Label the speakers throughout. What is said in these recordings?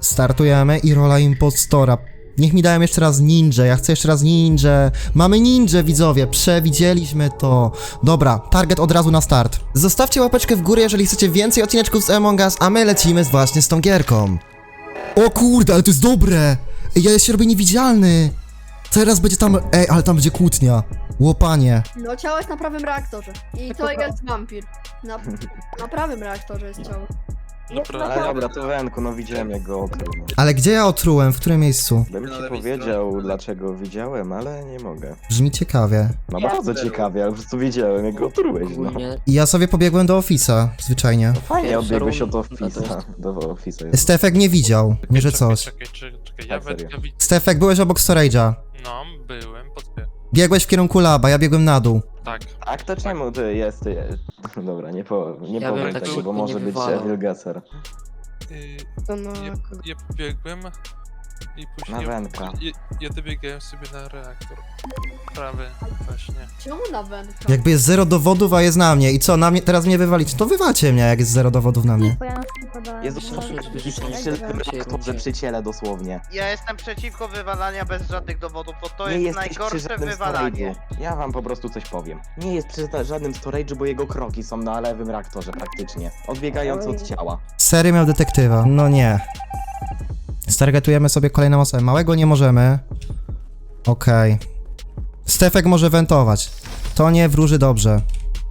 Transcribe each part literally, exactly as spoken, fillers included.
Speaker 1: Startujemy i rola impostora. Niech mi dają jeszcze raz ninja, ja chcę jeszcze raz ninja. Mamy ninja, widzowie, przewidzieliśmy to. Dobra, target od razu na start. Zostawcie łapeczkę w górę, jeżeli chcecie więcej odcineczków z Among Us, a my lecimy właśnie z tą gierką. O kurde, ale to jest dobre! Ej, ja się robię niewidzialny. Teraz będzie tam... Ej, ale tam będzie kłótnia. Łopanie.
Speaker 2: No ciało jest na prawym reaktorze. I to jest wampir. Na, na prawym reaktorze jest ciało.
Speaker 3: Ale dobra, to Wenku, no widziałem jak go okrył. No.
Speaker 1: Ale gdzie ja otrułem? W którym miejscu?
Speaker 3: Bym ci powiedział dlaczego widziałem, ale nie mogę.
Speaker 1: Brzmi ciekawie.
Speaker 3: No bardzo ciekawie, ale po prostu wiedziałem jak go otrułeś, no.
Speaker 1: I ja sobie pobiegłem do Office'a, zwyczajnie.
Speaker 3: Fajnie odbiegłeś od Office'a, do Office'a.
Speaker 1: Stefek nie widział, nie że coś.
Speaker 4: Czekaj, czekaj, czekaj, ja
Speaker 3: Tak, serio.
Speaker 4: wędkę widzę.
Speaker 1: Stefek, byłeś obok storage'a.
Speaker 4: No, byłem, podbiegłem.
Speaker 1: Biegłeś w kierunku laba, ja biegłem na dół.
Speaker 4: Tak.
Speaker 3: Tak, to czemu ty jest, ty jest? Dobra, nie powiem, nie
Speaker 5: Ja
Speaker 3: powiem
Speaker 5: bym tak
Speaker 3: tego,
Speaker 5: szybko
Speaker 3: bo może
Speaker 5: nie
Speaker 3: być
Speaker 5: wywalał.
Speaker 3: Evil Gasser.
Speaker 4: Yy,
Speaker 5: To no,
Speaker 4: ja, ja pobiegłem i później...
Speaker 3: Na Wenka.
Speaker 4: Ja, ja dobiegałem sobie na reaktor. Prawy, właśnie.
Speaker 2: Czemu na wędkę?
Speaker 1: Jakby jest zero dowodów, a jest na mnie. I co, na mnie, teraz mnie wywalić? To wywalcie mnie, jak jest zero dowodów na mnie.
Speaker 3: Jest dosłownie przy ciele dosłownie.
Speaker 6: Ja jestem przeciwko wywalania bez żadnych dowodów, bo to
Speaker 3: Nie
Speaker 6: jest
Speaker 3: jesteś przy
Speaker 6: najgorsze
Speaker 3: żadnym
Speaker 6: wywalanie.
Speaker 3: storage'u. Ja wam po prostu coś powiem. Nie jest przy ta- żadnym storage'u, bo jego kroki są na lewym reaktorze praktycznie. Odbiegając od ciała.
Speaker 1: Sery miał detektywa. No nie. Stargetujemy sobie kolejną osobę. Małego nie możemy. Okej. Okay. Stefek może wentować. To nie wróży dobrze.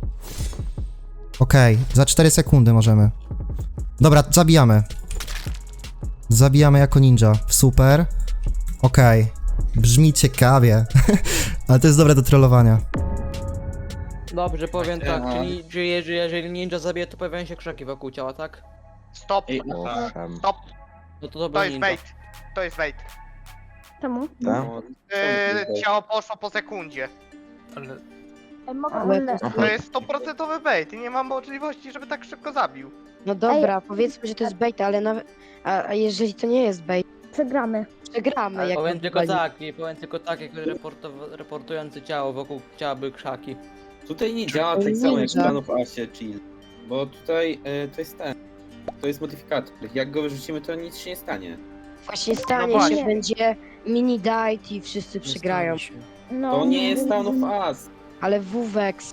Speaker 1: Okej, okay. Za cztery sekundy możemy. Dobra, zabijamy. Zabijamy jako ninja. Super. Okej. Okay. Brzmi ciekawie. Ale to jest dobre do trollowania.
Speaker 5: Dobrze, powiem tak, czyli że jeżeli, jeżeli ninja zabije, to pojawiają się krzaki wokół ciała, tak?
Speaker 6: Stop,
Speaker 3: Owszem.
Speaker 6: stop,
Speaker 5: No to
Speaker 6: to
Speaker 5: dobra
Speaker 6: jest
Speaker 5: ninja.
Speaker 6: bait. To jest bait.
Speaker 7: Czemu?
Speaker 3: Tak?
Speaker 6: Yy, ciało poszło po sekundzie.
Speaker 4: Ale
Speaker 7: Ale...
Speaker 6: To jest stuprocentowy bait i nie mam możliwości, żeby tak szybko zabił.
Speaker 8: No dobra, powiedzmy, że to jest bait, ale nawet... A, a jeżeli to nie jest bait,
Speaker 7: Przegramy.
Speaker 8: przegramy, jak
Speaker 5: Powiem
Speaker 8: to
Speaker 5: tylko
Speaker 8: wywali.
Speaker 5: tak, i powiem tylko tak, jak reportow- reportujący ciało, wokół ciała były krzaki.
Speaker 9: Tutaj nie działa tak samo jak w Stanów Asie Chill, bo tutaj e, to jest ten, to jest modyfikator. Jak go wyrzucimy, to nic się nie stanie.
Speaker 8: Właśnie stanie
Speaker 6: No właśnie.
Speaker 8: się, będzie mini diet i wszyscy przegrają.
Speaker 7: No,
Speaker 9: To nie jest Town of Us.
Speaker 8: Ale Wuwex,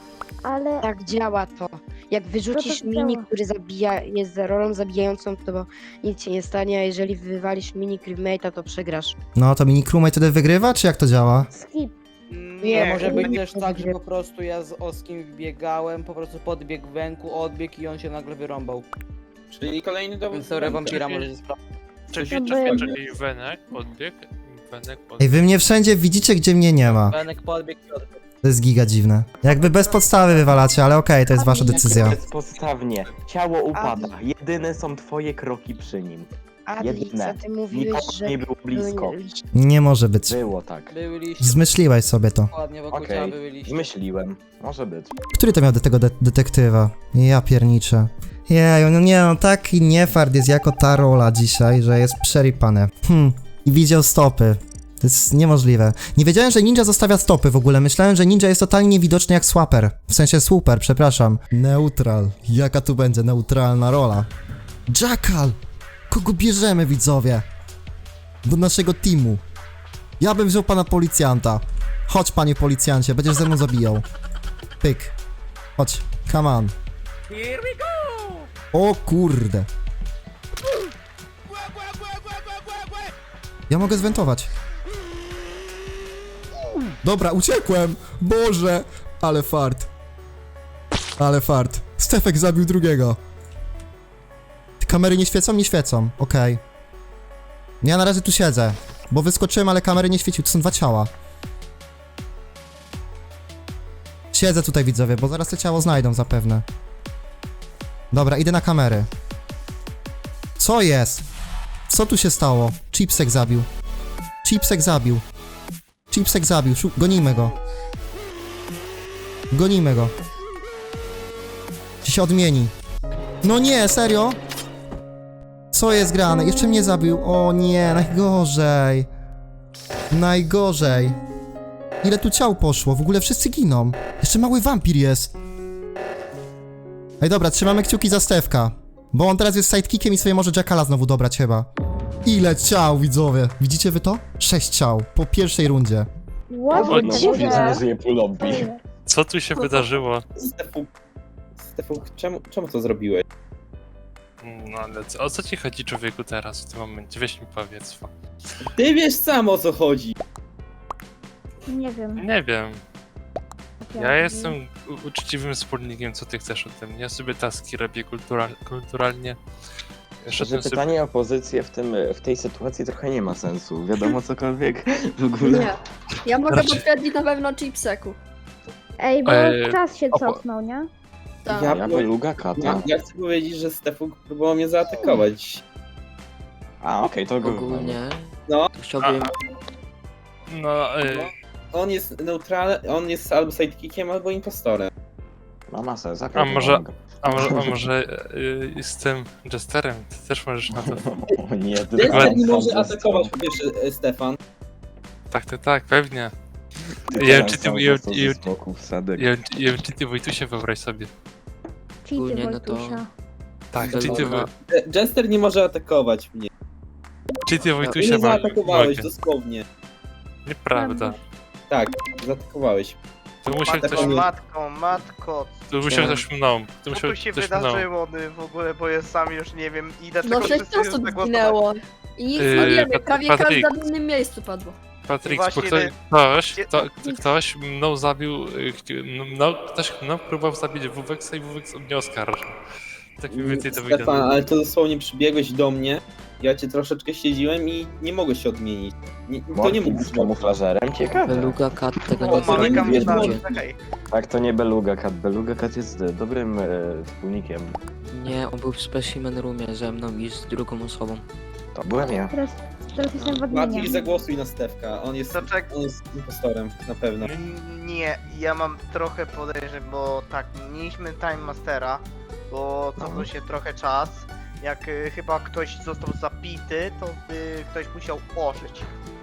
Speaker 7: Ale...
Speaker 8: tak działa to. Jak wyrzucisz
Speaker 7: To to
Speaker 8: mini,
Speaker 7: działa.
Speaker 8: który zabija, jest za rolą zabijającą, to nic się nie stanie, a jeżeli wywalisz mini crewmate'a, to przegrasz.
Speaker 1: No to mini crewmate wtedy wygrywa, czy jak to działa?
Speaker 7: Skip.
Speaker 5: Nie,
Speaker 8: Nie,
Speaker 5: może być
Speaker 8: nie,
Speaker 5: też
Speaker 8: nie,
Speaker 5: tak,
Speaker 8: nie.
Speaker 5: że po prostu ja z Oskim biegałem, po prostu podbiegł węku, odbiegł i on się nagle wyrąbał.
Speaker 9: Czyli kolejny dowód.
Speaker 5: Więc teoria wampira może się sprawdzić.
Speaker 4: czekaj,
Speaker 7: To
Speaker 4: czekaj,
Speaker 7: by-
Speaker 4: czekaj, Wenek podbiegł. Wenek podbiegł.
Speaker 1: Ej, wy mnie wszędzie widzicie, gdzie mnie nie ma.
Speaker 5: Wenek podbiegł i odbiegł.
Speaker 1: To jest giga dziwne. Jakby bez podstawy wywalacie, ale okej, to jest wasza decyzja.
Speaker 3: Bezpodstawnie. Ciało upada. Jedyne są twoje kroki przy nim.
Speaker 8: Adlix,
Speaker 3: Jedyne.
Speaker 8: a ty mówiłeś,
Speaker 3: Nikogo
Speaker 8: że...
Speaker 3: nie było blisko.
Speaker 1: Nie może być.
Speaker 3: Było tak.
Speaker 5: Były liście,
Speaker 1: Zmyśliłeś sobie to.
Speaker 5: dokładnie wokół ciała
Speaker 3: Okej,
Speaker 5: były liście.
Speaker 3: zmyśliłem. Może być.
Speaker 1: Który to miał do tego de detektywa? Ja pierniczę. Jeju, no nie no, taki niefart jest jako ta rola dzisiaj, że jest przeripane. Hm, i widział stopy. To jest niemożliwe. Nie wiedziałem, że ninja zostawia stopy w ogóle. Myślałem, że ninja jest totalnie niewidoczny jak swapper. W sensie super, przepraszam. Neutral. Jaka tu będzie neutralna rola? Jackal! Kogo bierzemy, widzowie? Do naszego teamu. Ja bym wziął pana policjanta. Chodź, panie policjancie, będziesz ze mną zabijał. Pyk. Chodź, come on.
Speaker 6: Here we go!
Speaker 1: O kurde. Ja mogę zwentować. Dobra, uciekłem. Boże. Ale fart. Ale fart. Stefek zabił drugiego. Te kamery nie świecą? Nie świecą. Okej. Ja na razie tu siedzę. Bo wyskoczyłem, ale kamery nie świeciły. To są dwa ciała. Siedzę tutaj, widzowie, bo zaraz te ciało znajdą zapewne. Dobra, idę na kamery. Co jest? Co tu się stało? Chipsek zabił. Chipsek zabił. Chipsek zabił. Szu- gonimy go. Gonimy go. Czy się odmieni? No nie, serio? Co jest grane? Jeszcze mnie zabił. O nie, najgorzej. Najgorzej. Ile tu ciał poszło? W ogóle wszyscy giną. Jeszcze mały wampir jest. Ej, dobra, trzymamy kciuki za Stefka. Bo on teraz jest sidekickiem i sobie może Jackala znowu dobrać chyba. Ile ciał, widzowie? Widzicie wy to? Sześć ciał po pierwszej rundzie.
Speaker 7: What?
Speaker 4: O,
Speaker 3: No
Speaker 4: dziwne.
Speaker 3: mówię, że nie żyje pół lobby.
Speaker 4: Co tu się wydarzyło?
Speaker 9: Stefu, Stefu, czemu, czemu to zrobiłeś?
Speaker 4: No ale co, o co ci chodzi człowieku teraz w tym momencie? Weź mi powiedz.
Speaker 9: Ty wiesz sam o co chodzi.
Speaker 7: Nie wiem.
Speaker 4: Nie wiem. Ja
Speaker 7: Jak-
Speaker 4: jestem u- uczciwym wspólnikiem, co ty chcesz ode mnie. Ja sobie taski robię kultural, kulturalnie.
Speaker 3: Że
Speaker 4: Szedłem sobie...
Speaker 3: pytanie o pozycję w, tym, w tej sytuacji trochę nie ma sensu. Wiadomo cokolwiek w ogóle.
Speaker 2: Nie. Ja mogę
Speaker 4: Raczej-
Speaker 2: potwierdzić na pewno chipseku.
Speaker 7: Ej, bo
Speaker 4: Eee,
Speaker 7: czas się
Speaker 3: opo-
Speaker 7: cofnął, nie?
Speaker 2: Tak.
Speaker 9: Ja-
Speaker 3: Ja beluga kata.
Speaker 9: Ja, ja chcę powiedzieć, że Stefu próbował mnie zaatakować.
Speaker 3: A okej, to go
Speaker 5: Ogólnie
Speaker 9: No.
Speaker 5: to chciałbym...
Speaker 4: No, y,
Speaker 9: On jest neutralny, on jest albo sidekickiem, albo impostorem.
Speaker 3: Ma ma sens.
Speaker 4: A może- a może, a może y, z tym Jesterem? Ty też możesz na to...
Speaker 3: O nie, ty
Speaker 9: Jester nie
Speaker 3: sam
Speaker 9: może
Speaker 3: za
Speaker 9: atakować,
Speaker 3: sto.
Speaker 9: po pierwsze, e, Stefan.
Speaker 4: Tak, tak, tak, pewnie.
Speaker 3: Ty
Speaker 4: Ja wiem,
Speaker 3: teraz
Speaker 4: czy ty-
Speaker 3: sam
Speaker 4: ja-
Speaker 3: za sto
Speaker 4: ja-
Speaker 3: ze skoków, Sadek.
Speaker 4: Ja ja czy ty Wojtusie wyobraź sobie.
Speaker 7: Cheaty
Speaker 5: Ogólnie, no to-
Speaker 7: Wojtusia.
Speaker 4: Tak,
Speaker 5: Dobra.
Speaker 4: czy ty, Wo-
Speaker 9: E, Jester nie może atakować mnie.
Speaker 4: czy ty
Speaker 9: Ty
Speaker 4: Wojtusie
Speaker 9: mnie
Speaker 4: mo-
Speaker 9: zaatakowałeś,
Speaker 4: mogę.
Speaker 9: dosłownie.
Speaker 4: Nieprawda.
Speaker 9: Tak, zaatakowałeś.
Speaker 4: To musiał
Speaker 6: Matko,
Speaker 4: ktoś,
Speaker 6: matko, matko,
Speaker 4: to musiał ktoś mną. To
Speaker 6: co
Speaker 4: musiał
Speaker 6: tu się
Speaker 4: ktoś mną.
Speaker 6: wydarzyło ty, w ogóle, bo ja sam już nie wiem i dlaczego
Speaker 2: No sześć
Speaker 6: wszyscy już
Speaker 2: osób
Speaker 6: zagłosowali.
Speaker 2: zginęło. I nic
Speaker 4: Yy,
Speaker 2: nie wiemy,
Speaker 4: Pat-
Speaker 2: prawie
Speaker 4: Patryk.
Speaker 2: każde w innym miejscu padło.
Speaker 4: Patryk,
Speaker 6: Właśnie,
Speaker 4: bo ktoś,
Speaker 6: że-
Speaker 4: ktoś,
Speaker 6: Gdzie-
Speaker 4: kto, ktoś mną zabił, y, chci- no, ktoś mną próbował zabić Wuweksa i Wuweks mnie oskarżył. Tak mniej więcej to
Speaker 9: Stefan,
Speaker 4: wygląda.
Speaker 9: ale to dosłownie przybiegłeś do mnie, ja cię troszeczkę śledziłem i nie mogłeś się odmienić. Nie, to nie mógł
Speaker 3: Morfin z
Speaker 9: być
Speaker 3: kamuflażerem? Ciekawe.
Speaker 5: Beluga Cat tego
Speaker 6: O,
Speaker 5: nie zrobi
Speaker 6: Mareka
Speaker 9: nie
Speaker 6: myślałem,
Speaker 9: będzie.
Speaker 6: czekaj.
Speaker 3: Tak, to nie Beluga Cat. Beluga Cat jest e, dobrym e, wspólnikiem.
Speaker 5: Nie, on był w specimen roomie ze mną i z drugą osobą.
Speaker 3: To byłem ja.
Speaker 7: Teraz, teraz jestem w
Speaker 9: Maciej,
Speaker 7: adminie.
Speaker 9: zagłosuj na Stefka, on jest,
Speaker 6: To czek-
Speaker 9: on jest impostorem, na pewno.
Speaker 6: N- Nie, ja mam trochę podejrzeń, bo tak, mieliśmy Time Mastera, bo cofnął się trochę czas. Jak y, chyba ktoś został zabity, to y, ktoś musiał ożyć.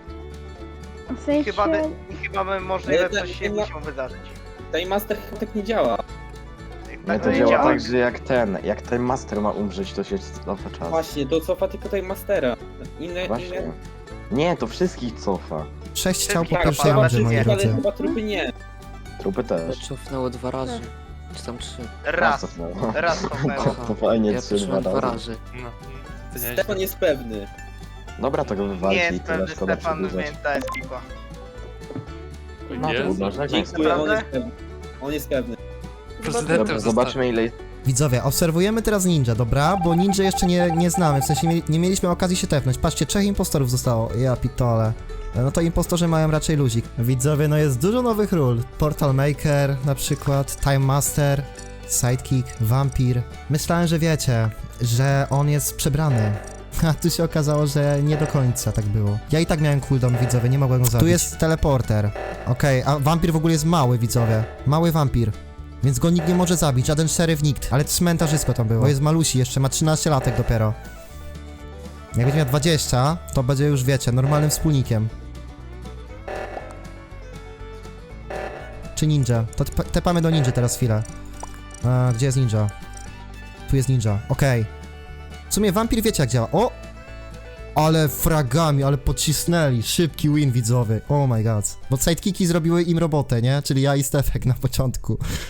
Speaker 7: W
Speaker 6: I
Speaker 7: sensie...
Speaker 6: chyba, by, i chyba by możliwe
Speaker 9: Ale
Speaker 6: coś
Speaker 9: tak,
Speaker 6: się
Speaker 9: nie ma-
Speaker 6: musiało wydarzyć.
Speaker 9: Time Master chyba tak nie działa.
Speaker 3: Nie,
Speaker 6: Tak
Speaker 3: to
Speaker 6: nie
Speaker 3: działa
Speaker 6: działa.
Speaker 3: tak, że jak ten, jak ten master ma umrzeć, to się cofa czas.
Speaker 9: Właśnie, to cofa tylko Time Mastera. Inne,
Speaker 3: Właśnie.
Speaker 9: inne...
Speaker 3: Nie, to wszystkich cofa.
Speaker 1: Sześć ciał po
Speaker 6: Tak,
Speaker 1: pierwszej
Speaker 6: ale
Speaker 1: rundzie, moi
Speaker 6: wszystkie,
Speaker 9: ale
Speaker 1: drodzy.
Speaker 9: chyba trupy nie.
Speaker 3: Trupy
Speaker 5: To
Speaker 3: też.
Speaker 5: cofnęło dwa razy. Czy tam trzy.
Speaker 6: Raz,
Speaker 3: cofnęło.
Speaker 6: raz cofnęło.
Speaker 3: To fajnie,
Speaker 5: Ja
Speaker 3: trzy, dwa
Speaker 5: patrzyłem dwa
Speaker 3: razy.
Speaker 5: razy.
Speaker 4: No, to nie
Speaker 9: Stefan jest pewny.
Speaker 3: Dobra, to go wywalcie
Speaker 6: Nie
Speaker 3: i
Speaker 6: jest
Speaker 3: tyle,
Speaker 6: pewny
Speaker 3: szkoda
Speaker 6: Stefan,
Speaker 3: przedłużać.
Speaker 6: więc ta jest pipa.
Speaker 3: No to
Speaker 4: jest.
Speaker 3: uważaj.
Speaker 9: Dziękuję, on
Speaker 6: Naprawdę?
Speaker 9: jest pewny. On jest pewny.
Speaker 4: Prezydentem
Speaker 3: Dobra,
Speaker 4: został.
Speaker 3: zobaczmy ile
Speaker 1: Widzowie, obserwujemy teraz ninja, dobra? Bo ninja jeszcze nie, nie znamy, w sensie mieli, nie mieliśmy okazji się tepnąć. Patrzcie, trzech impostorów zostało. Ja pitole. No to impostorzy mają raczej luzik. Widzowie, no jest dużo nowych ról. Portal Maker na przykład, Time Master, Sidekick, Vampir. Myślałem, że wiecie, że on jest przebrany. A tu się okazało, że nie do końca tak było. Ja i tak miałem cooldown, widzowie, nie mogłem go zabić. Tu jest teleporter. Okej, a wampir w ogóle jest mały, widzowie. Mały wampir. Więc go nikt nie może zabić, żaden szeryf, nikt. Ale cmentarzysko tam było. Bo jest malusi, jeszcze ma trzynaście latek dopiero. Jak będzie miał dwadzieścia, to będzie już, wiecie, normalnym wspólnikiem. Czy ninja? To te- tepamy do ninja teraz chwilę. A, gdzie jest ninja? Tu jest ninja, okej. W sumie wampir wiecie jak działa. O! Ale fragami, ale pocisnęli. Szybki win widzowy. Oh my god. Bo sidekicki zrobiły im robotę, nie? Czyli ja i Stefek na początku.